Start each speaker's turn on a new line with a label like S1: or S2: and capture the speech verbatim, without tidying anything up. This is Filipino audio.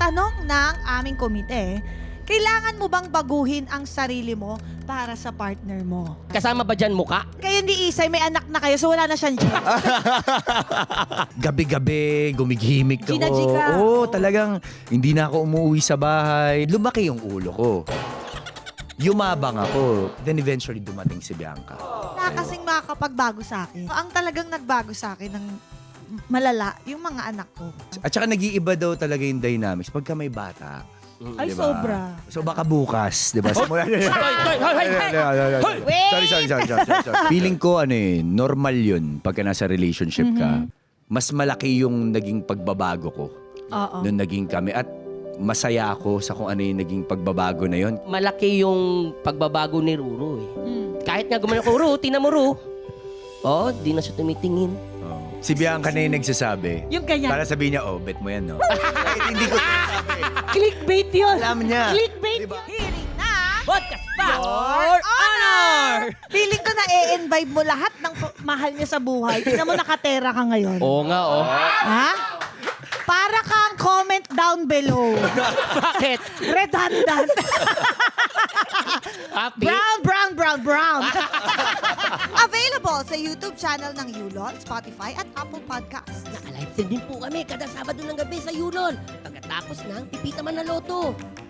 S1: Tanong ng aming komite, kailangan mo bang baguhin ang sarili mo para sa partner mo?
S2: Kasama ba dyan muka?
S1: Kayo ni Isay, may anak na kayo, so wala na siyang chance.
S3: Gabi-gabi, gumigimik ako.
S1: Ginaji ka.
S3: Oo, talagang hindi na ako umuwi sa bahay. Lumaki yung ulo ko. Yumabang ako. Then eventually dumating si Bianca.
S1: Wala kasing makakapagbago sa akin. Ang talagang nagbago sa akin ng malala, yung mga anak ko.
S3: At saka nag-iiba daw talaga yung dynamics pagka may bata.
S1: Ay,
S3: Diba?
S1: sobra.
S3: So baka bukas, di ba? Simula-
S2: Hoy, hoy, hoy, hoy, hoy!
S1: Wait!
S3: Sorry, sorry, sorry, sorry, sorry, sorry. Feeling ko, ano eh, normal yun pagka nasa relationship ka. Mas malaki yung naging pagbabago ko
S1: Oo.
S3: nung naging kami. At masaya ako sa kung ano yung naging pagbabago na yun.
S2: Malaki yung pagbabago ni Ruru eh.
S1: Mm.
S2: Kahit nga gumano ko, Ruru, tina mo, Ruru. Oo, di na siya tumitingin.
S3: Si Bianca na yung nagsasabi.
S1: Yung ganyan.
S3: Para sabihin niya, oh, bet mo yan, no? Kahit hindi ko sinasabi.
S1: Clickbait yun.
S3: Alam niya.
S1: Clickbait
S3: Diba?
S1: yun. Hearing na.
S2: Podcast pa!
S1: Your honor! Feeling ko na e-invite mo lahat ng p- mahal niya sa buhay. Tingnan mo nakatera ka ngayon.
S2: Oo nga, oh.
S1: Ha? Para kang comment down below.
S2: Bakit?
S1: Redundant.
S2: Happy?
S1: Brown, brown, brown, brown. Available sa YouTube channel ng Yulon, Spotify at Apple Podcasts.
S2: Naka-live stream din po kami kada Sabado ng gabi sa Yulon. Pagkatapos ng Pipita Man na Loto.